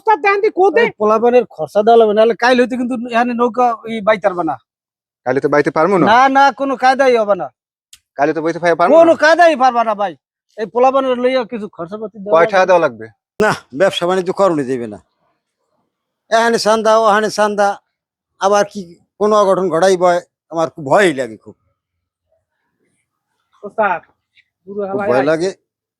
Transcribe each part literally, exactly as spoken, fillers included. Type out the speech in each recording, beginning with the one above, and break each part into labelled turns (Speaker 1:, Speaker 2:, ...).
Speaker 1: পোলাপানের খরচা দেওয়া লাগবে, নাহলে কাইল হইতে কিন্তু এখানে নৌকা ওই বাইতে পারবে না।
Speaker 2: কাইলে তো বাইতে পারবো না।
Speaker 1: না না, কোনো কায়দাই হবে না।
Speaker 2: কাইলে তো বাইতে পারবো না,
Speaker 1: কোনো কায়দাই পারবা না ভাই। এই পোলাপানের লইয়া কিছু খরচাপাতি
Speaker 2: কয় টাকা দেওয়া লাগবে?
Speaker 3: না, ব্যবসা বাণিজ্য করণে যাবে না। এখানে চান্দা ওখানে চান্দা, আবার কি কোনো অঘটন ঘটাই বয়, আমার খুব ভয়ই লাগে, খুব খুব ভয় লাগে।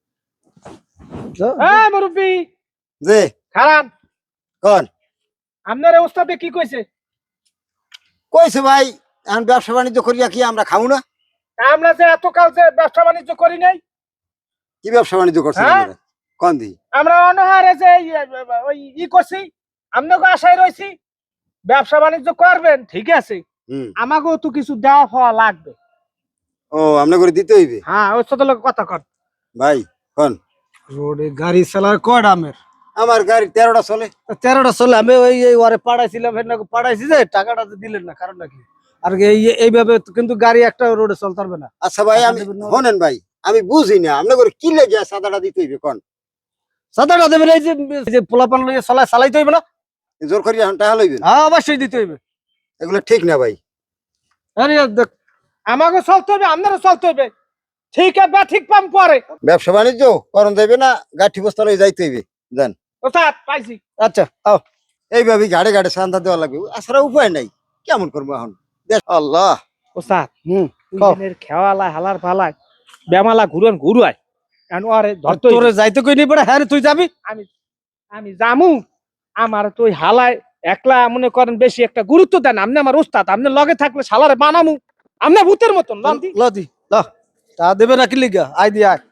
Speaker 3: যে
Speaker 1: খারাপ
Speaker 3: কন
Speaker 1: আপনার অবস্থাতে কি কইছে?
Speaker 3: কইছে ভাই, এখন ব্যবসা বাণিজ্য করিয়া কি আমরা খাবো না?
Speaker 1: আমরা যে এত কাল যে ব্যবসা বাণিজ্য করি নাই।
Speaker 3: কি ব্যবসা বাণিজ্য করছে কন দি?
Speaker 1: আমরা অনহারে যে ওই ই করছি, আপনাকে আশায় রয়েছি ব্যবসা বাণিজ্য করবেন, ঠিক আছে, আমাকেও তো কিছু দেওয়া পাওয়া লাগবে।
Speaker 3: ও, আমরা করে দিতে হইবে?
Speaker 1: হ্যাঁ, ওর সাথে লোক কথা কর
Speaker 3: ভাই। কন
Speaker 1: রোডে গাড়ি চালার কয়টা আমের?
Speaker 3: আমার গাড়ি তেরোটা চলে।
Speaker 1: তেরোটা চলে। আমি ওই ওরে পাঠাইছিলাম, পাঠাইছি যে টাকাটা দিলেন না, কারণ নাকি আর এইভাবে কিন্তু গাড়ি একটা রোডে চলতে পারবে না।
Speaker 3: আচ্ছা ভাই, আমি শোনেন ভাই, আমি বুঝি না আপনি করে কি লেগে সাদাটা দিতে হইবে কন?
Speaker 1: সাদাটা দেবেন এই যে পোলাপান লইয়া চালাই চালাইতে হইবে না?
Speaker 3: জোর করি এখন টাকা লইবেন?
Speaker 1: হ্যাঁ, অবশ্যই দিতে হইবে।
Speaker 3: এগুলো ঠিক না ভাই।
Speaker 1: আরে দেখ, আমাকে চলতে হবে, আপনারও চলতে হবে, ঠিক আছে বা ঠিক পাম পরে।
Speaker 3: ব্যবসা বাণিজ্য করণ যাইবে না, গাঠি বস্তা লই যাইতে হইবে। জান
Speaker 1: ওস্তাদ পাইছি। আচ্ছা আও,
Speaker 3: এইভাবে গাড়ে গাড়ে চান্দা দেওয়া লাগবে, আসলে উপায় নাই। কেমন করবো এখন? আল্লাহ।
Speaker 1: ওস্তাদ হুম ইঞ্জিনের খেওয়ালা হালার ফালায় বেমালা ঘুরন ঘুরুয়, এখন আরে ধরতে তোরে যাইতে কই নি পড়ে। হ্যাঁ তুই যাবি? আমি আমি জামু। আমার তো ওই হালায় একলা মনে করেন বেশি একটা গুরুত্ব দেন। আপনি আমার ওস্তাদ, আপনি লগে থাকলে শালারে বানামু আপনি ভূতের মতন। লদি লদি ল তা দেবে না কি লিগা? আই দি আয়।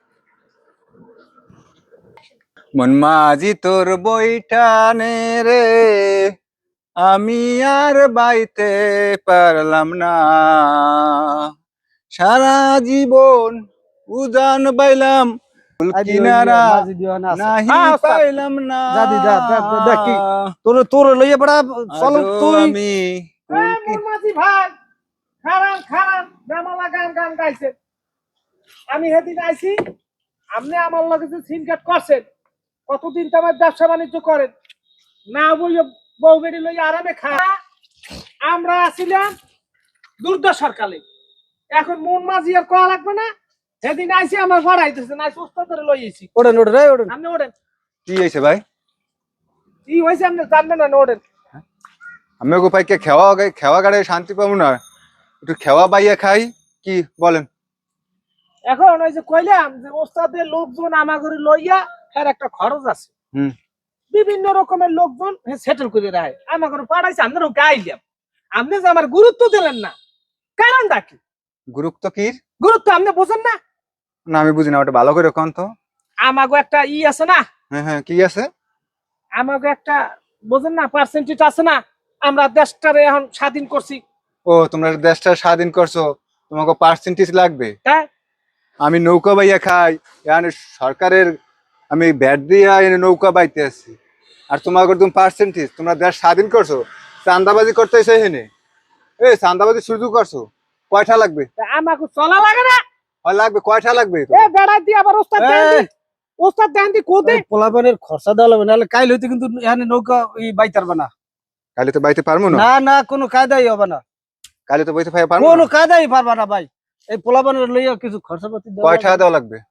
Speaker 2: মন মাঝি তোর বইটানে রে, আমি আর বাইতে পারলাম না, সারা জীবন উজান বাইলাম কিনারা নাহি পাইলাম না।
Speaker 1: জাদি যা দেখি তোর তোর লইয়া পড়া চল তুই।
Speaker 2: আমি
Speaker 1: মাঝি ভাই খারান খারান বেমালা গান গান গাইছে। আমি সেদিন আইছি, আপনি আমার লগে যে সিম কাট করছেন, কতদিন তো আমার ব্যবসা বাণিজ্য করেন না, বইয়া বউ বেড়ি লইয়া আরামে খা। আমরা আসিলাম দুর্দশার কালে, এখন মন মাঝি আর কয়া লাগবে না। সেদিন আইসি আমার ভাড়াইতেছে না, সস্তা করে লইয়েছি। ওড়েন ওড়েন রে ওড়েন, আপনি ওড়েন।
Speaker 2: কি হয়েছে ভাই?
Speaker 1: কি হয়েছে আপনি জানবেন না? ওড়েন।
Speaker 2: আমি গো পাইকে খেওয়া খেওয়া গাড়ে শান্তি পাবো না, একটু খেওয়া বাইয়া খাই। কি বলেন?
Speaker 1: এখন ওই যে কইলাম যে ওস্তাদের লোকজন আমাগরে লইয়া এর একটা খরচ আছে,
Speaker 2: হুম,
Speaker 1: বিভিন্ন রকমের লোকজন সেটেল করে রাখে, আমাগরে পাঠাইছে। আপনারও গাইলাম, আপনি যে আমার গুরুত্ব দিলেন না, কারণটা কি?
Speaker 2: গুরুত্ব কি?
Speaker 1: গুরুত্ব আপনি বোঝেন না?
Speaker 2: না আমি বুঝি না, ওটা ভালো করে কোন তো।
Speaker 1: আমাগো একটা ই আছে না?
Speaker 2: হ্যাঁ হ্যাঁ, কি আছে?
Speaker 1: আমাগো একটা বোঝেন না পার্সেন্টেজ আছে না? আমরা দেশটারে এখন স্বাধীন করছি।
Speaker 2: ও, তোমরা দেশটা স্বাধীন করছো, তোমাকে পার্সেন্টেজ লাগবে?
Speaker 1: হ্যাঁ,
Speaker 2: আমি নৌকা বাইয়া খাই, এখানে সরকারের আমি ব্যাট দিয়া এনে নৌকা বাইতে আছি, আর তোমাকে তুমি পার্সেন্টেজ? তোমরা দেশ স্বাধীন করছো, চান্দাবাজি করতেছে এখানে। এই চান্দাবাজি শুরু করছো, কয়টা লাগবে?
Speaker 1: আমাকে চলা লাগে না?
Speaker 2: হয় লাগবে, কয়টা লাগবে?
Speaker 1: এ বেড়া দিয়ে আবার ওস্তাদ দেন দি, ওস্তাদ দেন দি কোদে পোলাপানের খরচা দেওয়া লাগবে, নাহলে কাইল হইতে কিন্তু এখানে নৌকা ই বাইতে পারবে না।
Speaker 2: কালি তো বাইতে পারবো না।
Speaker 1: না না, কোনো কায়দাই হবে না।
Speaker 2: কালি তো বাইতে পারবো
Speaker 1: কোনো
Speaker 2: না,
Speaker 1: কায়দাই পারবা না ভাই। এই পোলাপানের লইয়া কিছু খরচাপাতি দেওয়া
Speaker 2: কয় টাকা দেওয়া লাগবে?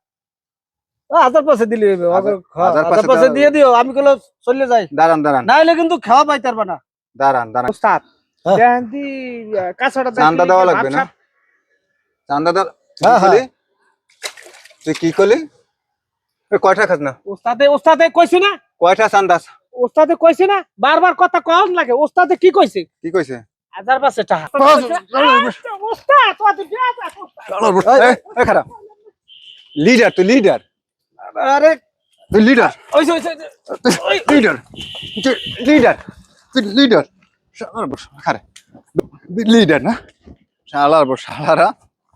Speaker 1: হাজার পাঁচে দিলে হইবে।
Speaker 2: হাজার
Speaker 1: হাজার পাঁচে দিয়ে দিও, আমি কইলে চলে যাই।
Speaker 2: দাঁড়ান দাঁড়ান,
Speaker 1: নাইলে কিন্তু খাওয়া পাইতে পারবা না।
Speaker 2: দাঁড়ান দাঁড়ান।
Speaker 1: ওস্তাদ দেন দি কাছাটা দেন।
Speaker 2: চান্দা দেওয়া লাগবে না? চান্দা দেওয়া?
Speaker 1: হ্যাঁ হ্যাঁ।
Speaker 2: তুই কি করলি? কয়টা খাস না?
Speaker 1: ওস্তাদে ওস্তাদে কইছে না?
Speaker 2: কয়টা চান্দা?
Speaker 1: ওস্তাদে কইছে না? বারবার কথা কম লাগে। ওস্তাদে কি কইছে?
Speaker 2: কি কইছে?
Speaker 1: হাজার পাঁচে টাকা। ওস্তাদ তুই দেয়া
Speaker 2: খারাপ লিডার, তুই লিডার।
Speaker 1: আরে
Speaker 2: তুই লিডার,
Speaker 1: ওইছে ওইছে
Speaker 2: লিডার, লিডার, তুই লিডার। খারাপ লিডার না? শালার বস শালারা,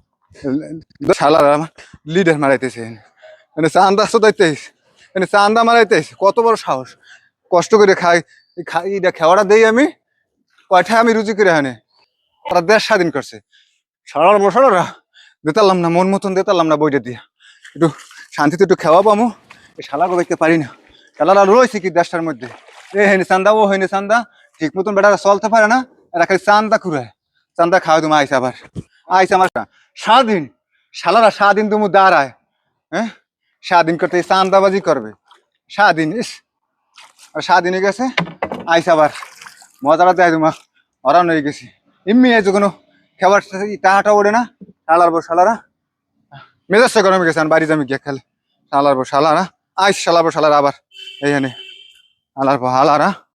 Speaker 2: শালারা লিডার মারাইতেছে, মানে চান্দা শোধাইতেছ, মানে চান্দা মারাইতেছ। কত বড় সাহস! কষ্ট করে খাই খাই খেওয়াটা দেই আমি, কয়টা আমি রুজি করে আনে। ওরা দেশ স্বাধীন করছে, সারার বসারা দিতালাম না, মন মতন দিতালাম না বইটা দিয়া। একটু শান্তিতে একটু খেওয়া পামো, এই শালাকে দেখতে পারি না। শালারা রয়েছে কি দেশটার মধ্যে, এ হেনে চান্দা ও হেনে চান্দা ঠিক মতন বেটা চলতে পারে না, এরা খালি চান্দা খুঁড়ে চান্দা খাওয়া তুমি আইসা আবার আইসা আমার স্বাধীন শালারা স্বাধীন তুমি দাঁড়ায় হ্যাঁ স্বাধীন করতে এই চান্দাবাজি করবে স্বাধীন ইস আর স্বাধীন হয়ে গেছে আইসা আবার মজাটা দেয় তোমার হরান হয়ে গেছি এমনি আইছো কোনো খাবার টাহাটা ওড়ে না শালার বউ শালারা মেজাজটা গরমে গেছে বাড়ি যামি গিয়ে খেলে শালার বউ শালারা আইস শালার বউ শালারা আবার এইখানে শালার বউ হালারা